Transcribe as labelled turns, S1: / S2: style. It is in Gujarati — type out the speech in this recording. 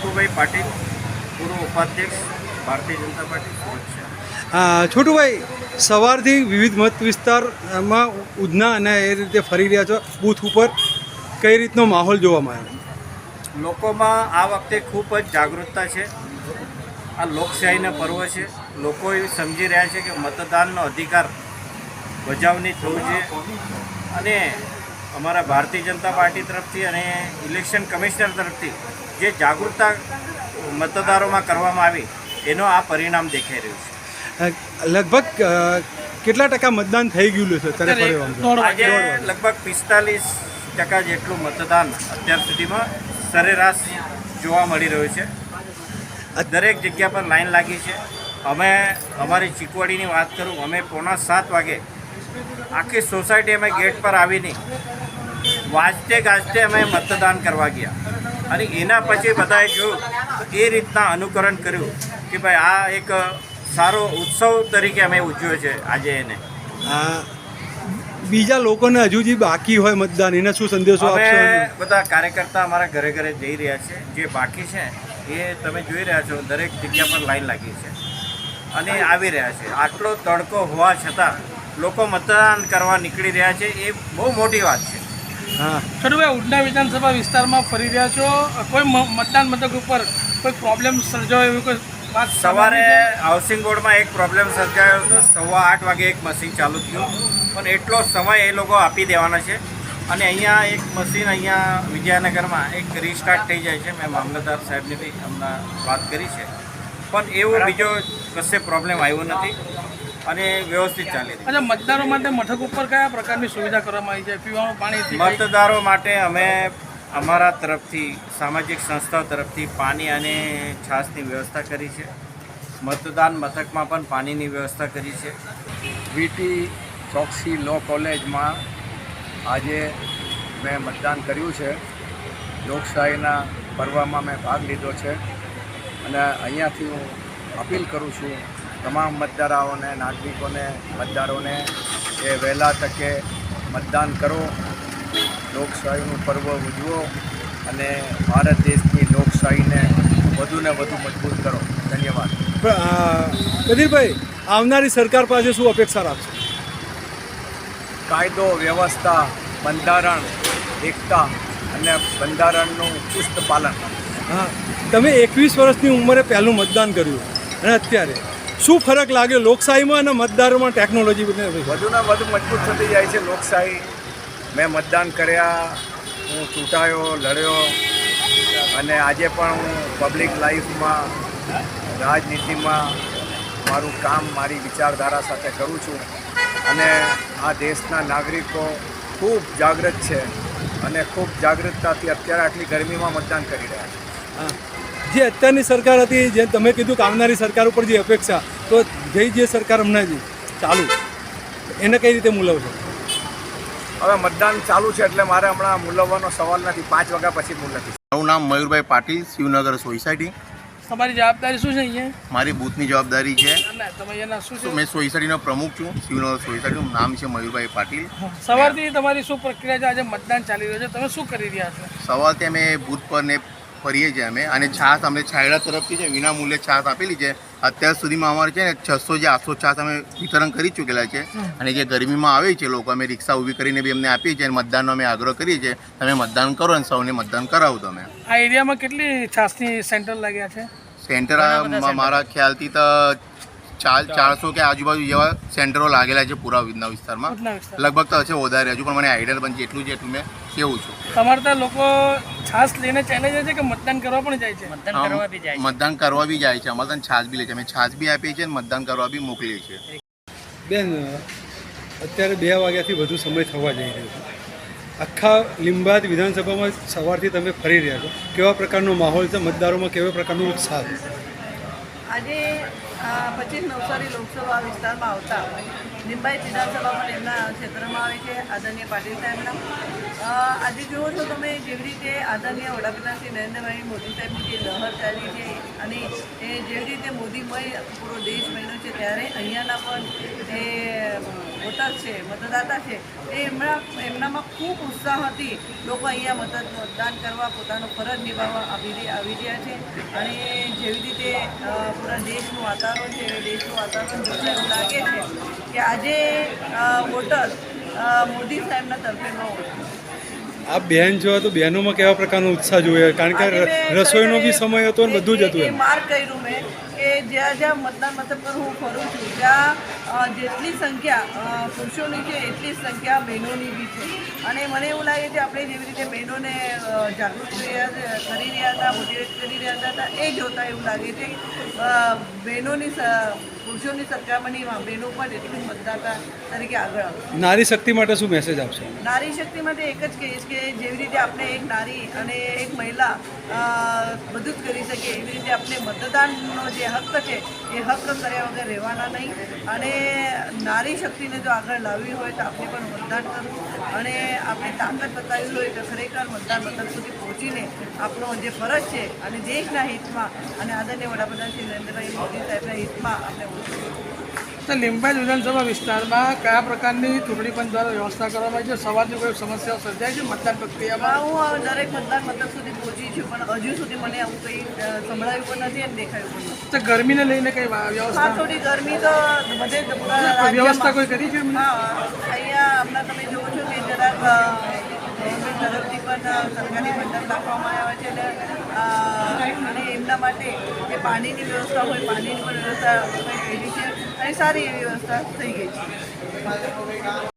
S1: છોટુભાઈ પાટીલ, પૂર્વ ઉપાધ્યક્ષ, ભારતીય જનતા પાર્ટી સુરત છે।
S2: છોટુભાઈ, સવારથી વિવિધ મત વિસ્તારમાં ઉધના અને એ રીતે ફરી રહ્યા છો બૂથ ઉપર, કઈ રીતનો માહોલ જોવામાં આવ્યો?
S1: લોકોમાં આ વખતે ખૂબ જ જાગૃતતા છે। આ લોકશાહીનો પર્વ છે। લોકો એ સમજી રહ્યા છે કે મતદાનનો અધિકાર બજાવણી થવું જોઈએ અને અમારા ભારતીય જનતા પાર્ટી તરફથી અને ઇલેક્શન કમિશનર તરફથી જે જાગૃતતા મતદારોમાં કરવામાં આવી એનો આ પરિણામ દેખાઈ રહ્યું છે।
S2: લગભગ કેટલા ટકા મતદાન થઈ ગયું છે અત્યારે?
S1: આજે લગભગ 45% જેટલું મતદાન અત્યાર સુધીમાં સરેરાશ જોવા મળી રહ્યું છે। દરેક જગ્યા પર લાઈન લાગી છે। અમે અમારી ચીકવાડીની વાત કરું, અમે 6:45 વાગે આખી સોસાયટી અમે ગેટ પર આવીને વાજતે ગાજતે અમે મતદાન કરવા ગયા અને એના પછી બધાએ જોયું તો એ રીતના અનુકરણ કર્યું કે ભાઈ આ એક સારો ઉત્સવ તરીકે અમે ઉજવ્યો છે આજે એને।
S2: બીજા લોકોને હજુ જે બાકી હોય મતદાન, એને શું સંદેશો આપશો?
S1: અમે બધા કાર્યકર્તા અમારા ઘરે ઘરે જઈ રહ્યા છે। જે બાકી છે એ તમે જોઈ રહ્યા છો, દરેક જગ્યા પર લાઈન લાગી છે અને આવી રહ્યા છે। આટલો તડકો હોવા છતાં લોકો મતદાન કરવા નીકળી રહ્યા છે, એ બહુ મોટી વાત છે।
S2: હા,
S3: છોટુભાઈ, ઉધના વિધાનસભા વિસ્તારમાં ફરી રહ્યા છો, કોઈ મતદાન મથક ઉપર કોઈ પ્રોબ્લેમ સર્જાયો એવી કોઈ વાત?
S1: સવારે હાઉસિંગ બોર્ડમાં એક પ્રોબ્લેમ સર્જાયો હતો। 8:15 વાગે એક મશીન ચાલુ થયું, પણ એટલો સમય એ લોકો આપી દેવાના છે અને અહીંયા એક મશીન અહીંયા વિજયનગરમાં એક રીસ્ટાર્ટ થઈ જાય છે। મેં મામલતદાર સાહેબને બી હમણાં વાત કરી છે, પણ એવું બીજો કશે પ્રોબ્લેમ આવ્યો નથી અને વ્યવસ્થિત ચાલી રહી છે।
S3: અચ્છા, મતદારો માટે મથક ઉપર કયા પ્રકારની સુવિધા કરવામાં આવી છે? પીવાનું પાણી?
S1: મતદારો માટે અમે અમારા તરફથી સામાજિક સંસ્થાઓ તરફથી પાણી અને છાશની વ્યવસ્થા કરી છે। મતદાન મથકમાં પણ પાણીની વ્યવસ્થા કરી છે।
S4: વીટી ચોકસી લો કોલેજમાં આજે મેં મતદાન કર્યું છે। લોકશાહીના પર્વમાં મેં ભાગ લીધો છે અને અહીંયાથી હું અપીલ કરું છું તમામ મતદારોને, નાગરિકોને, મતદારોને કે વહેલા તકે મતદાન કરો, લોકશાહીનું પર્વ ઉજવો અને ભારત દેશની લોકશાહીને વધુને વધુ મજબૂત કરો। ધન્યવાદ।
S2: કદીરભાઈ, આવનારી સરકાર પાસે શું અપેક્ષા રાખશો?
S4: કાયદો વ્યવસ્થા, બંધારણ, એકતા અને બંધારણનું ચુસ્ત પાલન।
S2: હા, તમે 21 વર્ષની ઉંમરે પહેલું મતદાન કર્યું અને અત્યારે શું ફરક લાગ્યો લોકશાહીમાં અને મતદારોમાં? ટેકનોલોજી બંને
S4: વધુને વધુ મજબૂત થતી જાય છે લોકશાહી। મેં મતદાન કર્યા, હું ચૂંટાયો, લડ્યો અને આજે પણ હું પબ્લિક લાઈફમાં, રાજનીતિમાં મારું કામ મારી વિચારધારા સાથે કરું છું અને આ દેશના નાગરિકો ખૂબ જાગૃત છે અને ખૂબ જાગૃતતાથી અત્યારે આટલી ગરમીમાં મતદાન કરી રહ્યા છે।
S2: જે અત્યારની સરકાર હતી, જે તમે કીધું કે આવનારી સરકાર ઉપર જે અપેક્ષા, તો જે સરકાર હમણાં ચાલુ એને કઈ રીતે મૂલવશો?
S4: હવે મતદાન ચાલુ છે એટલે મારે હમણાં મૂલવવાનો સવાલ નથી। 5 વાગ્યા પછી મૂલવી।
S5: મારું નામ મયુરભાઈ પાટીલ, શિવનગર સોસાયટી।
S3: તમારી જવાબદારી શું છે અહીંયા?
S5: મારી બૂથની જવાબદારી છે।
S3: તમે એના શું છે?
S5: મેં સોસાયટીનો પ્રમુખ છું, શિવનગર સોસાયટીનું નામ છે મયુરભાઈ પાટીલ।
S3: સવારથી તમારી શું પ્રક્રિયા છે? આજે મતદાન ચાલી રહ્યું છે, તમે શું કરી રહ્યા છો?
S5: સવારથી અમે બૂથ પર ને ફરીએ છીએ અમે, અને છાશ અમને છાયડા તરફથી છે વિના મૂલ્યે છાશ આપેલી છે। અત્યાર સુધીમાં અમારે છે ને 600 જે 800 છાશ અમે વિતરણ કરી ચૂકેલા છે અને જે ગરમીમાં આવે છે લોકો, અમે રિક્ષા ઊભી કરીને બી અમને આપીએ છીએ અને મતદાનનો અમે આગ્રહ કરીએ છીએ તમે મતદાન કરો અને સૌને મતદાન કરાવો તમે।
S3: આ એરિયામાં કેટલી છાસની સેન્ટર લાગ્યા છે?
S5: સેન્ટર મારા ખ્યાલથી તો 400 કે આજુબાજુ જેવા સેન્ટરો લાગેલા છે પૂરા ઉધના વિસ્તારમાં। લગભગ તો હશે વધારે, હજુ પણ મને આઈડિયા પણ જેટલું છે એટલું મેં કેવું છું।
S3: તમારે ત્યાં લોકો છાસ લઈને ચાલે જાય છે કે મતદાન કરવા પણ જાય છે?
S5: મતદાન કરવા બી જાય છે, અમારે ત્યાં છાશ બી લે છે, અમે છાશ બી આપીએ છીએ અને મતદાન કરવા બી મોકલીએ છીએ।
S2: બેન, અત્યારે 2 વાગ્યાથી વધુ સમય થવા જઈ રહ્યો છે, આખા લીંબાદ વિધાનસભામાં સવારથી તમે ફરી રહ્યા છો, કેવા પ્રકારનો માહોલ છે? મતદારોમાં કેવા પ્રકારનો ઉત્સાહ છે?
S6: આજે 25 નવસારી લોકસભા વિસ્તારમાં આવતા લીંબાયત વિધાનસભામાં એમના ક્ષેત્રમાં આવે છે આદરણીય પાટીલ સાહેબના. આજે જુઓ છો તમે જેવી રીતે આદરણીય વડાપ્રધાન શ્રી નરેન્દ્રભાઈ મોદી સાહેબની જે લહેર ચાલી છે અને એ જેવી રીતે મોદીમય પૂરો દેશ બન્યો છે ત્યારે અહીંયાના પણ જે વોટર છે મતદાતા છે એ એમનામાં ખૂબ ઉત્સાહ હતી. લોકો અહીંયા મતદાન કરવા પોતાનો ફરજ નિભાવવા આવી રહ્યા છે અને જેવી રીતે પૂરા દેશનું વાતાવરણ છે એ દેશનું વાતાવરણ જોઈને એવું લાગે છે કે આજે વોટર મોદી સાહેબના તરફેણમાં વોટ.
S2: આ બેન જોવા તો બહેનોમાં કેવા પ્રકારનો ઉત્સાહ જોઈએ, કારણ કે રસોઈનો બી સમય હતો ને બધું જ હતું એમ.
S6: માર્ક કર્યું મેં કે જ્યાં જ્યાં મતદાન મથક પર હું ફરું છું ત્યાં જેટલી સંખ્યા પુરુષોની છે એટલી જ સંખ્યા બહેનોની બી છે અને મને એવું લાગે છે આપણે જેવી રીતે બહેનોને જાગૃત કરી રહ્યા હતા, મોટિવેટ કરી રહ્યા હતા એ જોતાં એવું લાગે છે બહેનોની પુરુષોની સરખામણીમાં બહેનો પણ એટલી મતદાતા તરીકે આગળ આવે.
S2: નારી શક્તિ માટે શું મેસેજ આપશો?
S6: નારી શક્તિ માટે એક જ કહીશ કે જેવી રીતે આપણે એક નારી અને એક મહિલા બધું જ કરી શકીએ એવી રીતે આપણે મતદાનનો જે હક્ક છે એ હક્ક કર્યા વગર રહેવાના નહીં અને નારી શક્તિને જો આગળ લાવવી હોય તો આપણે પણ મતદાન કરવું અને આપણે તાકાત બતાવવી હોય તો ખરેખર મતદાન મથક સુધી પહોંચીને આપણો જે ફરજ છે અને દેશના હિતમાં અને આદરણીય વડાપ્રધાન શ્રી નરેન્દ્રભાઈ મોદી સાહેબના હિતમાં આપણે
S3: તો લીંબાયત વિધાનસભા વિસ્તારમાં કયા પ્રકારની ચૂંટણી પંચ દ્વારા વ્યવસ્થા કરવામાં આવી છે? સવારની કોઈ સમસ્યાઓ સર્જાય છે મતદાન પ્રક્રિયામાં?
S6: હું દરેક મતદાન મથક સુધી પહોંચી છું પણ હજુ સુધી મને આવું કંઈ સંભળાયું પણ નથી અને દેખાયું પણ નથી.
S3: તો ગરમીને લઈને કઈ વ્યવસ્થા
S6: થોડી ગરમી તો બધે
S3: વ્યવસ્થા કોઈ કરી છે?
S6: હા, અહીંયા હમણાં તમે જુઓ છો કે જરાક ગવર્મેન્ટ તરફથી પણ સરકારી મંડપ રાખવામાં આવ્યા છે અને એમના માટે જે પાણીની વ્યવસ્થા હોય પાણીની પણ વ્યવસ્થા થઈ ગઈ છે અને સારી એવી વ્યવસ્થા થઈ ગઈ છે.